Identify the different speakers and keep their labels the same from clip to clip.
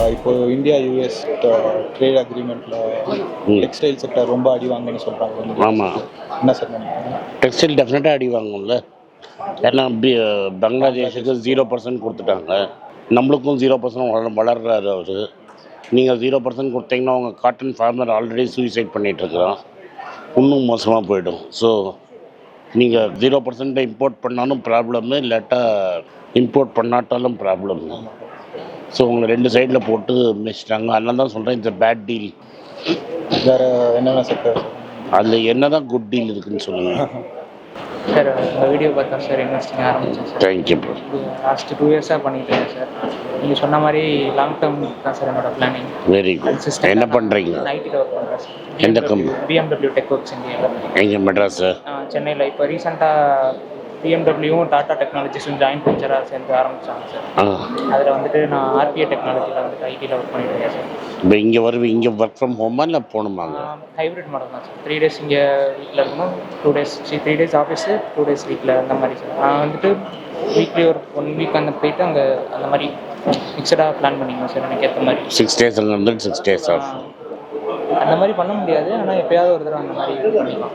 Speaker 1: இப்போ India US trade அக்ரிமெண்ட்டில் textile sector ரொம்ப அடி வாங்குன்னு சொல்கிறாங்க.
Speaker 2: ஆமாம்,
Speaker 1: என்ன சார் நினைக்கிறீங்க?
Speaker 2: டெக்ஸ்டைல் டெஃபினட்டாக அடி வாங்கும்ல. ஏன்னா பங்களாதேஷுக்கு 0% கொடுத்துட்டாங்க, நம்மளுக்கும் 0% வளர்றாரு அவர். நீங்கள் 0% கொடுத்தீங்கன்னா அவங்க காட்டன் ஃபார்மர் ஆல்ரெடி சூசைட் பண்ணிகிட்ருக்குறான், இன்னும் மோசமாக போயிடும். ஸோ நீங்கள் 0% இம்போர்ட் பண்ணாலும் ப்ராப்ளம்மு, இல்லாட்டா இம்போர்ட் பண்ணாட்டாலும் ப்ராப்ளம். ஸோ உங்களை 2 சைடில் போட்டு மிச்சிட்டாங்க. அதனால தான் சொல்கிறேன், இட்ஸ் பேட் டீல்.
Speaker 1: வேறு என்னென்ன செக்டர்
Speaker 2: அதில் என்ன தான் குட் டீல் இருக்குதுன்னு சொல்லுங்கள்
Speaker 3: சார். உங்கள் வீடியோ பார்த்தா சார் இன்வெஸ்டிங் ஆரம்பித்தேன் சார்.
Speaker 2: Thank you bro.
Speaker 3: லாஸ்ட்டு 2 இயர்ஸாக பண்ணிட்டு இருக்கேன் சார். நீங்கள் சொன்ன மாதிரி லாங் டேர்ம் தான் சார் என்னோட பிளானிங்.
Speaker 2: Very good. என்ன பண்ணுறீங்க?
Speaker 3: ஐடியில் ஒர்க் பண்ணுறேன் சார்.
Speaker 2: எந்த கம்பெனி?
Speaker 3: BMW டெக் ஒர்க்ஸ் இந்தியாவில்.
Speaker 2: எங்கே? மெட்ராஸ்?
Speaker 3: சென்னையில். இப்போ ரீசெண்டாக பிஎம்டபிள்யூவும் டாடா டெக்னாலஜிஸும் ஜாயின்ட் வெஞ்சராக சேர்ந்து ஆரம்பித்தாங்க சார். அதில் வந்துட்டு நான் RPA டெக்னாலஜியில் வந்துட்டு ஐடியில் ஒர்க் பண்ணிட்டு இருக்கேன் சார்.
Speaker 2: இப்போ இங்கே இங்கே ஒர்க் ஃப்ரம் ஹோமா இல்லை போகணுமாங்க?
Speaker 3: ஹைப்ரிட் மாடல் தான் சார். 3 days இங்கே வீட்டில் இருக்கணும், 2 days 3 days ஆஃபீஸு, 2 days வீட்டில், அந்த மாதிரி சார். நான் வந்துட்டு வீக்லி ஒரு 1 week அந்த போயிட்டு அங்கே அந்த மாதிரி ஃபிக்ஸடாக பிளான் பண்ணிக்கணும் சார், எனக்கு ஏற்ற மாதிரி.
Speaker 2: 6 days அங்கே வந்து 6 days ஆஃப்.
Speaker 3: அந்த மாதிரி பண்ண முடியாது, ஆனால் எப்போயாவது ஒரு தடவை அந்த மாதிரி பண்ணிக்கலாம்.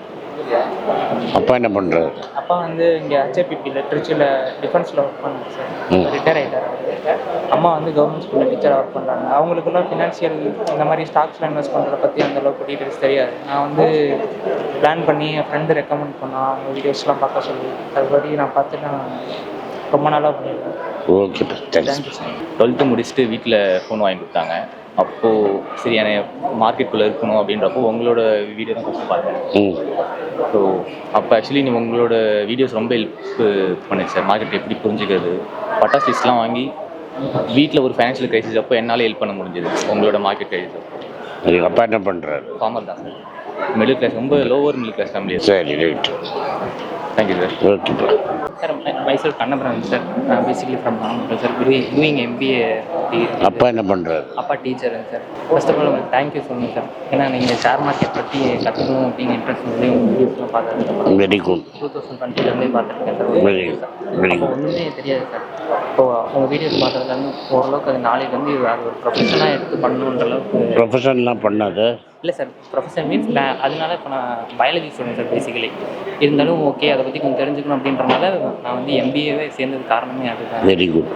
Speaker 2: அப்பா என்ன பண்ணுறாரு?
Speaker 3: அப்பா வந்து இங்கே HAPPயில் திருச்சியில் டிஃபென்ஸில் ஒர்க் பண்ணாங்க சார். ரிட்டையர் ஆகிட்டார். அம்மா வந்து கவர்மெண்ட் ஸ்கூலில் டீச்சராக ஒர்க் பண்ணுறாங்க. அவங்களுக்குலாம் ஃபினான்ஷியல் இந்த மாதிரி ஸ்டாக்ஸில் இன்வெஸ்ட் பண்ணுறத பற்றி அந்தளவுக்கு டீட்டெயில்ஸ் தெரியாது. நான் வந்து பிளான் பண்ணி என் ஃப்ரெண்டு ரெக்கமெண்ட் பண்ணால் அவங்க வீடியோஸ்லாம் பார்க்க சொல்லி அதுபடி நான் பார்த்துட்டு நான் ரொம்ப நாளாக பண்ணியிருக்கேன்.
Speaker 2: Okay, thank you
Speaker 3: sir.
Speaker 4: 12th முடிச்சுட்டு வீட்டில் ஃபோன் வாங்கி கொடுத்தாங்க. அப்போது சரி மார்க்கெட்டுக்குள்ளே இருக்கணும் அப்படின்றப்போ உங்களோட வீடியோ தான் ஃபஸ்ட்டு பார்த்தேன். ஸோ அப்போ ஆக்சுவலி நீங்கள் உங்களோட வீடியோஸ் ரொம்ப ஹெல்ப் பண்ணுச்சு சார். மார்க்கெட் எப்படி புரிஞ்சுக்கிறது, பட்டாஸ் லிஸ்ட்லாம் வாங்கி வீட்டில் ஒரு ஃபைனான்ஷியல் க்ரைசிஸ் அப்போ என்னால் ஹெல்ப் பண்ண முடிஞ்சது உங்களோட மார்க்கெட் க்ரைசிஸ் அப்போ.
Speaker 2: எங்கள் அப்பா என்ன பண்ணுறாரு?
Speaker 4: ஃபார்மர் தான் சார். மிடில் கிளாஸ், ரொம்ப லோவர் மிடில் கிளாஸ் ஃபேமிலி.
Speaker 2: சரி, right.
Speaker 4: Thank you sir.
Speaker 2: Okay bro.
Speaker 3: Sir myself Kannapuram sir. Basically from Namakkal sir. Doing MBA.
Speaker 2: அப்பா என்ன பண்ணுறாரு?
Speaker 3: அப்பா டீச்சருங்க சார். ஃபர்ஸ்ட் ஆஃப் ஆல் உங்களுக்கு தேங்க்யூ சொல்லுங்கள் சார். ஏன்னா நீங்கள் ஷேர் மார்க்கெட் பற்றி கற்றுக்கணும் அப்படிங்கிற இன்ட்ரெஸ்ட் வந்து உங்கள் வீடியோஸ்லாம் பார்த்துருக்கேன்.
Speaker 2: Very good.
Speaker 3: 2020 பார்த்துருக்கேன் சார்.
Speaker 2: Very very good.
Speaker 3: ஒன்றுமே தெரியாது சார். இப்போது உங்கள் வீடியோஸ் பார்த்ததுலேருந்து ஓரளவுக்கு அது நாளைக்கு வந்து அது ஒரு ப்ரொஃபஷனாக எடுத்து பண்ணணுன்ற அளவுக்கு.
Speaker 2: ப்ரொஃபஷன்லாம் பண்ணாது
Speaker 3: இல்லை சார், ப்ரொஃபஷன் மீன்ஸ் அதனால இப்போ நான் பயாலஜி ஸ்டூடெண்ட் சார் பேசிக்கலி. இருந்தாலும் ஓகே, அதை பற்றி கொஞ்சம் தெரிஞ்சுக்கணும் அப்படின்றனால நான் வந்து MBAவே சேர்ந்தது காரணமே அதுதான்.
Speaker 2: Very good.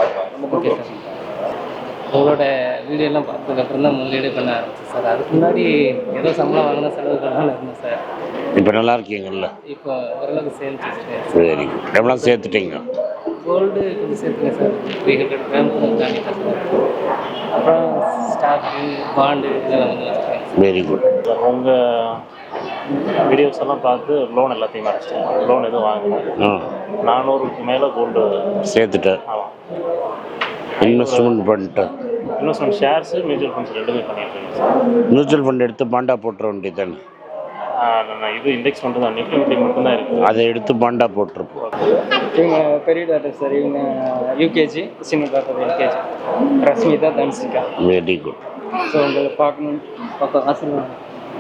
Speaker 3: Okay sir. உங்களோட வீடியோலாம் பார்த்ததுக்கப்புறம் தான் முதலீடு பண்ண ஆரம்பிச்சேன் சார். அதுக்கு முன்னாடி ஏதோ சம்பளம் வாங்கினா செலவுகள்லாம் இருந்தேன் சார்.
Speaker 2: இப்போ நல்லா இருக்கீங்கல்ல?
Speaker 3: இப்போ ஓரளவுக்கு சேர்ந்துச்சு.
Speaker 2: Very good. எவ்வளோ சேர்த்துட்டீங்க?
Speaker 3: கோல்டு கொஞ்சம் சேர்த்துங்க சார். 300 கிராம் தாண்டி சார். அப்புறம் ஸ்டாக்கு, பாண்டு இதெல்லாம் வந்து வச்சுருக்கேன்.
Speaker 2: Very good.
Speaker 5: உங்கள் வீடியோஸ் எல்லாம் பார்த்து லோன் எல்லாத்தையும் அடைச்சிட்டேன். லோன் எதுவும் வாங்கினேன். 400க்கு மேலே கோல்டு
Speaker 2: சேர்த்துட்டேன்.
Speaker 5: ஆமாம்,
Speaker 2: இன்வெஸ்ட்மெண்ட் பண்ணிட்டேன்.
Speaker 5: இன்வெஸ்ட்மெண்ட் ஷேர்ஸு, மியூச்சுவல் ஃபண்ட்ஸ் ரெண்டுமே பண்ணிட்டுருக்கேன் சார்.
Speaker 2: மியூச்சுவல் ஃபண்ட் எடுத்து பாண்டா போட்டுற வேண்டியது தானே?
Speaker 5: நான் இது இண்டெக்ஸ் ஃபண்டு தான், நிஃப்டி ஃபிஃப்டி மட்டும்தான் இருக்குது.
Speaker 2: அதை எடுத்து பாண்டா போட்டிருப்போம்.
Speaker 3: இவங்க பெரிய டாக்டர் சார். இவங்க UKG, சின்ன doctor LKG. Rashmitha, Dhansika.
Speaker 2: Very good.
Speaker 3: So உங்களை பார்க்கணும், ஆசீர்வாதம்.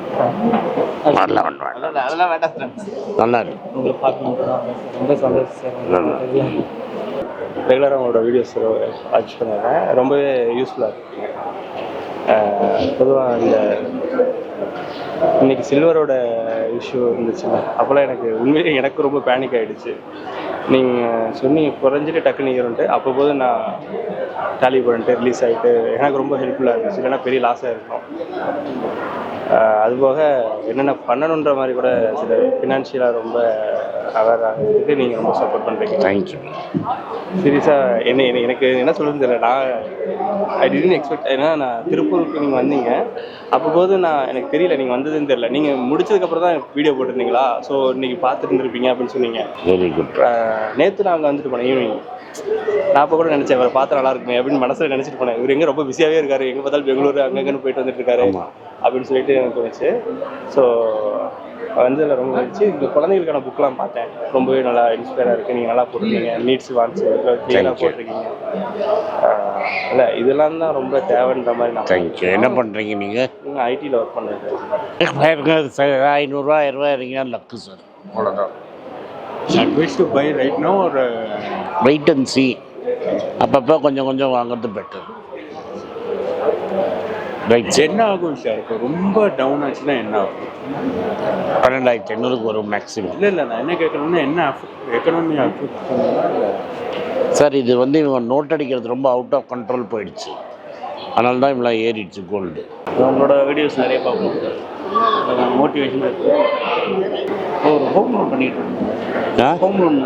Speaker 2: அதெல்லாம் வேண்டாம் சார். நல்லா இருக்கு.
Speaker 3: உங்களை பார்க்கணும், ரொம்ப சந்தோஷம் சார்.
Speaker 1: ரெகுலராக உங்களோட வீடியோஸ் வாட்ச் பண்ணுவேன். ரொம்பவே யூஸ்ஃபுல்லாக இருக்குங்க. பொதுவாக இந்த இன்றைக்கி சில்வரோட இஷ்யூ இருந்துச்சுன்னா அப்போல்லாம் உண்மையிலே எனக்கு ரொம்ப பேனிக் ஆகிடுச்சு. நீங்கள் சொன்னீங்க குறைஞ்சிட்டு டக்குன்னு ஏறுன்ட்டு, அப்போது நான் டேலி பண்ணிட்டு ரிலீஸ் ஆகிட்டு எனக்கு ரொம்ப ஹெல்ப்ஃபுல்லாக இருந்துச்சு. இல்லைன்னா பெரிய லாஸாக இருக்கும். அதுபோக என்னென்ன பண்ணணுன்ற மாதிரி கூட சில ஃபினான்ஷியலாக ரொம்ப அவேர் ஆகிறதுக்கு நீங்கள் ரொம்ப சப்போர்ட் பண்ணுறீங்க.
Speaker 2: தேங்க்யூ.
Speaker 1: சீரியஸாக எனக்கு என்ன சொல்லுன்னு தெரியல. நான் ஐ டிடன்ட் எக்ஸ்பெக்ட். ஏன்னா நான் திருப்பூருக்கு நீங்கள் வந்தீங்க, அப்போது எனக்கு தெரியல நீங்கள் வந்ததுன்னு தெரியல. நீங்கள் முடிச்சதுக்கப்புறம் தான் வீடியோ போட்டிருந்தீங்களா, ஸோ இன்றைக்கி பார்த்துட்டு இருந்திருப்பீங்க அப்படின்னு சொன்னீங்க.
Speaker 2: Very good.
Speaker 1: நேற்று நான் அங்கே வந்துட்டு போனேன் ஈவினிங். நான் அப்போ கூட நினச்சேன் இவரை பார்த்தா நல்லா இருக்குமே அப்படின்னு மனசில் நினச்சிட்டு போனேன். இவர் எங்கே ரொம்ப பிஸியாகவே இருக்காரு, எங்கே பார்த்தாலும் பெங்களூர் அங்கங்கன்னு போயிட்டு வந்துட்டு இருக்காரு அப்படின்னு சொல்லிட்டு எனக்கு தோணுச்சு. ஸோ வந்ததில் ரொம்ப இருந்துச்சு. இந்த குழந்தைகளுக்கான புக்கெலாம் பார்த்தேன், ரொம்பவே நல்லா இன்ஸ்பயராக இருக்குது. நீங்கள் நல்லா போட்டிருக்கீங்க, நீட்ஸ் வான்ஸ் கிளியராக போட்டிருக்கீங்க. இல்லை இதெல்லாம் தான் ரொம்ப தேவைன்ற மாதிரி நான்.
Speaker 2: தேங்க்யூ. என்ன பண்ணுறீங்க நீங்கள்?
Speaker 1: ஐடியில் ஒர்க் பண்ணுறேன்.
Speaker 2: 500 1000 இருங்க லக்கு சார், அவ்வளோதான்.
Speaker 1: Advice to buy right no ஒரு
Speaker 2: வெயிட் அண்ட் சி. அப்பப்போ கொஞ்சம் கொஞ்சம் வாங்குறது பெட்டர். ரைட்.
Speaker 6: என்ன ஆகும் சார் இப்போ ரொம்ப டவுன் ஆச்சுன்னா என்ன ஆகும்?
Speaker 2: 12,800 வரும் மேக்ஸிமம்.
Speaker 6: இல்லை நான் என்ன கேட்குறேன்னா என்ன எக்கனாமி அஃபெக்ட் பண்ணுங்களா?
Speaker 2: சார் இது வந்து இவங்க நோட் அடிக்கிறது ரொம்ப அவுட் ஆஃப் கண்ட்ரோல் போயிடுச்சு, அதனால தான் இவ்வளோ ஏறிடுச்சு கோல்டு.
Speaker 5: உங்களோட வீடியோஸ் நிறைய பார்ப்போம் சார், மோட்டிவேஷனாக இருக்குது. ஒரு ஹோம் லோன் பண்ணிட்டு இருக்கோம், ஹோம் லோன்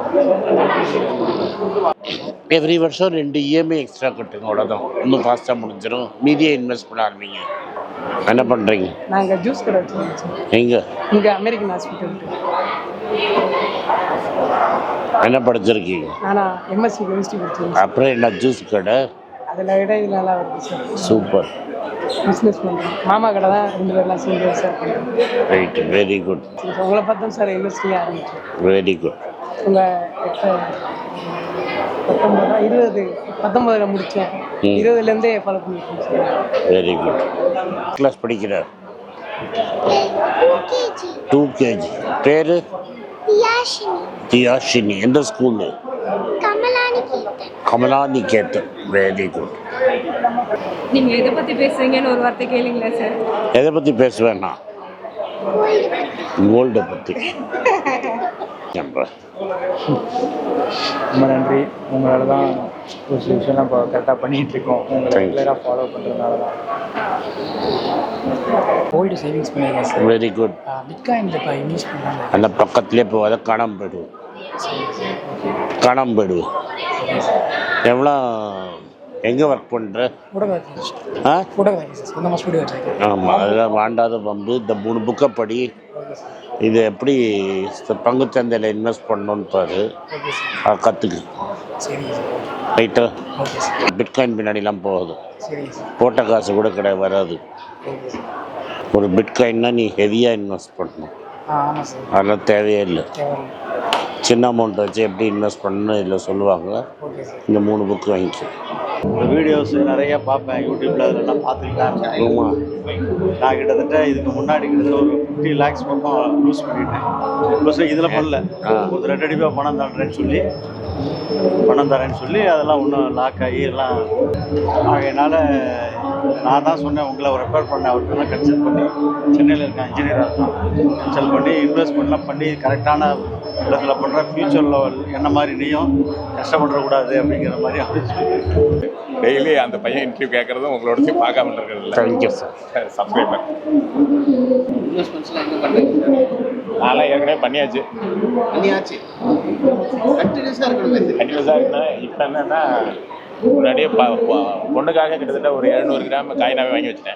Speaker 2: எவ்ரி வருஷம் 2 EMI எக்ஸ்ட்ரா கட்டுங்க, அவ்வளோதான். இன்னும் ஃபாஸ்ட்டாக முடிஞ்சிடும். மீதியை இன்வெஸ்ட் பண்ண ஆரம்பிங்க. என்ன பண்ணுறீங்க?
Speaker 7: நாங்கள் ஜூஸ் கடை வச்சுருக்கோம்.
Speaker 2: எங்கே?
Speaker 7: இங்கே அமெரிக்கன் ஹாஸ்பிட்டல்.
Speaker 2: என்ன படிச்சிருக்கீங்க?
Speaker 7: ஆனால் எம்எஸ்சி கெமிஸ்ட்ரி படிச்சிருக்கேன்.
Speaker 2: அப்புறம் என்ன ஜூஸ் கடை?
Speaker 7: அதில் விட இது நல்லா வருது சார்.
Speaker 2: சூப்பர்.
Speaker 7: பிஸ்னஸ் பண்ணுறோம். மாமா கடை தான் 2 பேர்லாம் சேர்ந்து சார் பண்ணுறோம்.
Speaker 2: Right, very good.
Speaker 7: உங்களை பார்த்தோம் சார் இண்டஸ்ட்ரியாக ஆரம்பிச்சோம்.
Speaker 2: Very good.
Speaker 7: உங்கள் 19 முடித்தேன். 20லேருந்தே ஃபாலோ பண்ணியிருக்கோம் சார்.
Speaker 2: Very good. கிளாஸ் படிக்கிறார். 2 kg. பேர்? தியாஷினி. எந்த ஸ்கூலு? கமலாநிகேதன். Very good.
Speaker 8: நீங்க எதை பத்தி பேசுறீங்கன்னு ஒரு வார்த்தை கேளுங்களா சார்?
Speaker 2: எதை பற்றி பேசுவேன்னா கோல்டை பற்றி.
Speaker 3: ரொம்ப நன்றி. உங்களால தான் ஒரு சில விஷயம்லாம் இப்போ கரெக்டாக பண்ணிகிட்டு இருக்கோம். உங்களை ரெகுலராக ஃபாலோ பண்ணுறதுனால தான். கோல்டு சேவிங்ஸ் பண்ணியிருக்கேன் சார்.
Speaker 2: Very good.
Speaker 3: பிட்காயினில் இப்போ இன்வெஸ்ட் பண்ணாங்க.
Speaker 2: அந்த பக்கத்துலேயே போகாத காணாமல் போயிடுவோம். காணாமல் போயிடுவோம். எவ்வளோ எங்கே ஒர்க் பண்ணுற?
Speaker 7: Photography sir. சொந்தமாக ஸ்டூடியோ வச்சுருக்கேன்.
Speaker 2: ஆமாம், அதெல்லாம் வாண்டாத பம்பு. இந்த 3 புக்கை படி. இது எப்படி பங்குச்சந்தையில் இன்வெஸ்ட் பண்ணணுன்னு பாரு, கற்றுக்கு. ரைட்டா? பிட்காயின் பின்னாடிலாம் போகுது. போட்ட காசு கூட கிடையாது, வராது. ஒரு பிட்காயின்னா நீ ஹெவியாக இன்வெஸ்ட் பண்ணணும், அதெல்லாம் தேவையே இல்லை. சின்ன அமௌண்ட் வச்சு எப்படி இன்வெஸ்ட் பண்ணணும்னு இதில் சொல்லுவாங்க. இந்த 3 புக்கு வாங்கிக்கோ.
Speaker 9: வீடியோஸ் நிறைய பார்ப்பேன் யூடியூப்ல, அதெல்லாம் பார்த்துக்கிட்டேன்.
Speaker 2: ஆமாம்,
Speaker 9: நான் கிட்டத்தட்ட இதுக்கு முன்னாடி கிட்டத்தட்ட ஒரு 50 lakhs பக்கம் யூஸ் பண்ணிட்டேன். ப்ளஸ் இதில் பண்ணல, ஒரு ரெண்டடிப்பாக பணம் தரேன்னு சொல்லி அதெல்லாம் ஒன்றும் லாக் ஆகி எல்லாம் ஆகையினால நான் தான் சொன்னேன், உங்களை ரெஃபர் பண்ணேன். அவர்கிட்ட கன்சல்ட் பண்ணி, சென்னையில் இருக்க இன்ஜினியராக இருக்கான், கன்சல்ட் பண்ணி இன்வெஸ்ட்மெண்ட்லாம் பண்ணி கரெக்டான இடத்துல பண்ணுற. ஃபியூச்சரில் என்ன மாதிரி நீயும் கஷ்டப்படக்கூடாது அப்படிங்கிற மாதிரி அப்படி
Speaker 10: டெய்லி அந்த பையன் இன்டர்வியூ கேட்குறதும் உங்களோட பார்க்காம இருக்கிறது.
Speaker 2: Thank you sir.
Speaker 10: சப்ஸ்கிரைபர்
Speaker 11: இன்வெஸ்ட்மெண்ட்ஸ்லாம் எங்கே பண்ணுறீங்க?
Speaker 10: நான்லாம் ஏற்கனவே பண்ணியாச்சு.
Speaker 11: கண்டினியூஸாக இருக்கணும்.
Speaker 10: கண்டினியூஸாக இருக்குன்னா இப்போ என்னன்னா முன்னாடியே பொண்ணுக்காக கிட்டத்தட்ட ஒரு 700 கிராம் காயினாவே வாங்கி வச்சுட்டேன்.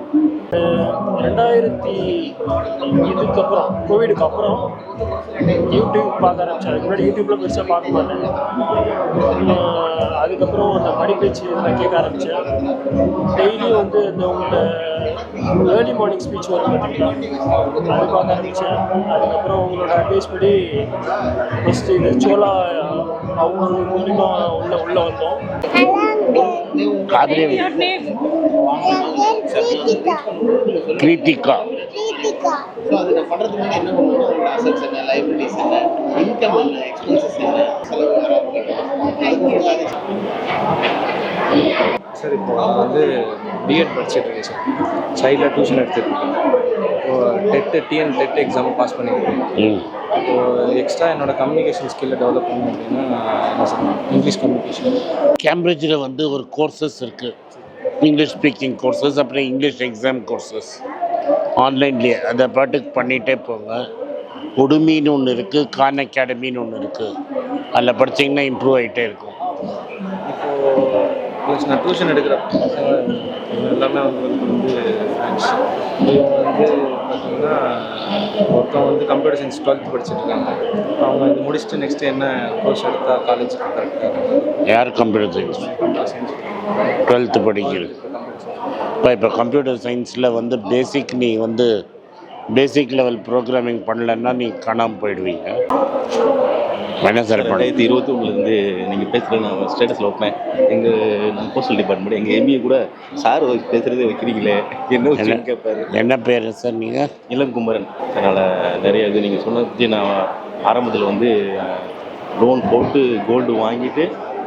Speaker 5: 2000 இதுக்கப்புறம் கோவிடுக்கு அப்புறம் யூடியூப் பார்க்க ஆரம்பிச்சேன். அதுக்கு முன்னாடி யூடியூப்ல பெருசாக பார்க்க மாட்டேன். அதுக்கப்புறம் அந்த மணிப்பேச்சு இதெல்லாம் கேட்க ஆரம்பித்தேன். டெய்லியும் வந்து இந்த உங்களோட ஏர்லி மார்னிங் ஸ்பீச் வரும் பார்த்தீங்களா, அது பார்க்க ஆரம்பித்தேன். அதுக்கப்புறம் உங்களோட அட்வைஸ் படி ஃபஸ்ட்டு இது சோலா அவங்க மூலிமா உள்ள வந்தோம்.
Speaker 2: கிருத்திகா.
Speaker 11: ஸோ அதை பண்ணுறதுக்கு முன்னாடி என்ன பண்ணுவோம்? அசட்ஸ் என்ன, லைப்ரரிஸ் என்ன, இன்கம் என்ன, எக்ஸ்பென்சஸ் என்ன, செலவு
Speaker 1: சார் இப்போ நான் வந்து பிஎட் படிச்சுட்டு இருக்கேன் சார். சைடில் டியூஷன் எடுத்துருக்கேன். இப்போ டெட் எக்ஸாம் பாஸ் பண்ணியிருக்கேன். இப்போது எக்ஸ்ட்ரா என்னோடய கம்யூனிகேஷன் ஸ்கில்லை டெவலப் பண்ணணும் அப்படின்னா என்ன சார், இங்கிலீஷ் கம்யூனிகேஷன்.
Speaker 2: கேம்பிரிட்ஜில் வந்து ஒரு கோர்சஸ் இருக்குது, இங்கிலீஷ் ஸ்பீக்கிங் கோர்சஸ், அப்புறம் இங்கிலீஷ் எக்ஸாம் கோர்சஸ் ஆன்லைன்லேயே. அதை பாட்டுக்கு பண்ணிகிட்டே போங்க. உடுமின்னு ஒன்று இருக்குது, கான் அகாடமின்னு ஒன்று இருக்குது. அதில் படித்தீங்கன்னா இம்ப்ரூவ் ஆகிட்டே இருக்கும்.
Speaker 1: இப்போது நான் டியூஷன் எடுக்கிற பசங்க எல்லாமே அவங்களுக்கு வந்து ஃப்ரெண்ட்ஸ். இவங்க வந்து பார்த்தீங்கன்னா ஒருத்தவங்க வந்து கம்ப்யூட்டர் சயின்ஸ் 12th படிச்சுட்டு இருக்காங்க. அவங்க இது முடிச்சுட்டு நெக்ஸ்ட்டு என்ன கோர்ஸ் எடுத்தால் காலேஜுக்கு கரெக்டாக?
Speaker 2: யார் computer science?
Speaker 1: Computer science
Speaker 2: 12th படிக்கிறது. இப்போ கம்ப்யூட்டர் சயின்ஸில் வந்து நீ வந்து பேசிக் லெவல் ப்ரோக்ராமிங் பண்ணலன்னா நீ காணாமல் போயிடுவீங்க. என்ன சார்
Speaker 9: 2021 நீங்கள் பேசுகிற நான் ஸ்டேட்டஸில் வைப்பேன். நம்ம போஸ்டல் டிபார்ட்மெண்ட் எங்கள் எம்பிஏ கூட சார் பேசுகிறதே வைக்கிறீங்களே என்ன கேட்பாரு.
Speaker 2: என்ன பேர் சார் நீங்கள்?
Speaker 9: இளங்குமரன். அதனால் நிறைய இது நீங்கள் சொன்னது நான் ஆரம்பத்தில் வந்து லோன் போட்டு கோல்டு வாங்கிட்டு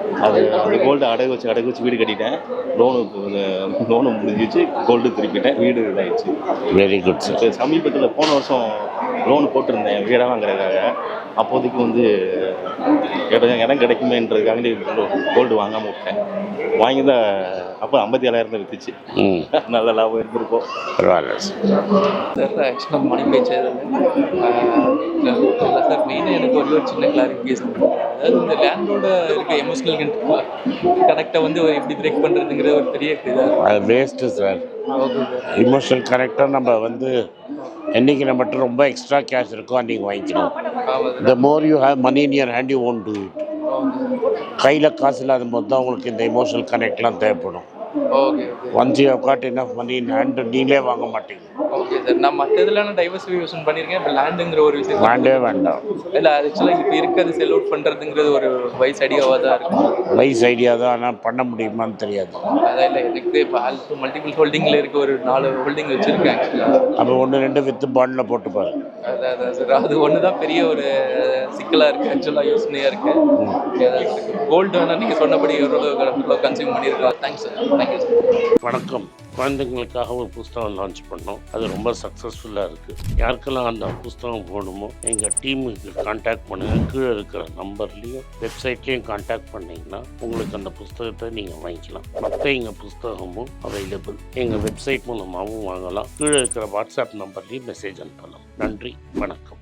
Speaker 12: அது அந்த கோல்டு அடகு வச்சு வீடு கட்டிட்டேன். லோனு முடிஞ்சிச்சு, கோல்டு திருப்பிட்டேன், வீடு இதாகிடுச்சு.
Speaker 2: Very good sir.
Speaker 12: சமீபத்தில் போன வருஷம் லோன் போட்டிருந்தேன் வீடாக வாங்குறதுக்காக. அப்போதைக்கு வந்து இடம் கிடைக்குமேன்றதுக்காக கோல்டு வாங்காமல் விட்டேன். வாங்கி தான் அப்போ 57,000 வித்துச்சு. நல்ல லாபம் இருந்திருக்கும்.
Speaker 2: பரவாயில்ல
Speaker 13: சார். ஆக்சுவலாக மணி பேச்சது இல்லை சார். மெயினாக எனக்கு ஒரு சின்ன கிளாரிஃபிகேஷன். அதாவது இந்த லேண்டோட இருக்க எமோஷனல் கனெக்டை வந்து எப்படி பிரேக் பண்ணுறதுங்கிற ஒரு பெரிய இதாக
Speaker 2: அது வேஸ்ட்டு சார். இமோஷனல் கனெக்டாக நம்ம வந்து என்றைக்கு நம்மகிட்ட ரொம்ப எக்ஸ்ட்ரா கேஷ் இருக்கோ அன்றைக்கி வாங்கிக்கணும். The more you have money in your hand you won't do it. கையில் காசு இல்லாத போது தான் உங்களுக்கு இந்த எமோஷனல் கனெக்ட்லாம் தேவைப்படும்.
Speaker 13: Okay.
Speaker 2: Once you have got enough money in hand நீங்களே வாங்க மாட்டீங்க.
Speaker 13: Okay sir. நான் மற்ற இதெல்லாம் டைவர்சிஃபிகேஷன் பண்ணியிருக்கேன். இப்போ லேண்டுங்கிற ஒரு விஷயம்
Speaker 2: வேண்டவே வேண்டாம்.
Speaker 13: இல்லை ஆக்சுவலாக இப்போ இருக்கிறது செல் அவுட் பண்ணுறதுங்கிறது ஒரு வைஸ் ஐடியாவாக தான் இருக்கும்.
Speaker 2: வைஸ் ஐடியா தான், ஆனால் பண்ண முடியுமான்னு தெரியாது.
Speaker 13: அதான் இல்லை எனக்கு இப்போ மல்டிபிள் ஹோல்டிங்கில் இருக்க ஒரு 4 ஹோல்டிங் வச்சுருக்கேன் ஆக்சுவலாக.
Speaker 2: அப்போ 1-2 வித்து பாண்டில் போட்டு பாருங்க.
Speaker 13: அதான் சார். அது ஒன்று தான் பெரிய ஒரு சிக்கலாக இருக்குது ஆக்சுவலாக, யோசனையாக இருக்குது. கோல்டு வேணால் நீங்கள் சொன்னபடி எவ்வளோ கன்சியூம் பண்ணியிருக்கலாம். Thanks sir. Thank you sir.
Speaker 2: வணக்கம். குழந்தைங்களுக்காக ஒரு புஸ்தகம் லான்ச் பண்ணோம். அது ரொம்ப சக்ஸஸ்ஃபுல்லாக இருக்குது. யாருக்கெல்லாம் அந்த புஸ்தகம் போகணுமோ எங்கள் டீமுக்கு கான்டாக்ட் பண்ணுங்கள். கீழே இருக்கிற நம்பர்லேயும் வெப்சைட்லேயும் கான்டாக்ட் பண்ணிங்கன்னா உங்களுக்கு அந்த புஸ்தகத்தை நீங்கள் வாங்கிக்கலாம். மற்ற எங்கள் புஸ்தகமும் அவைலபிள். எங்கள் வெப்சைட் மூலமாகவும் வாங்கலாம். கீழே இருக்கிற வாட்ஸ்அப் நம்பர்லேயும் மெசேஜ் அனுப்பலாம். நன்றி, வணக்கம்.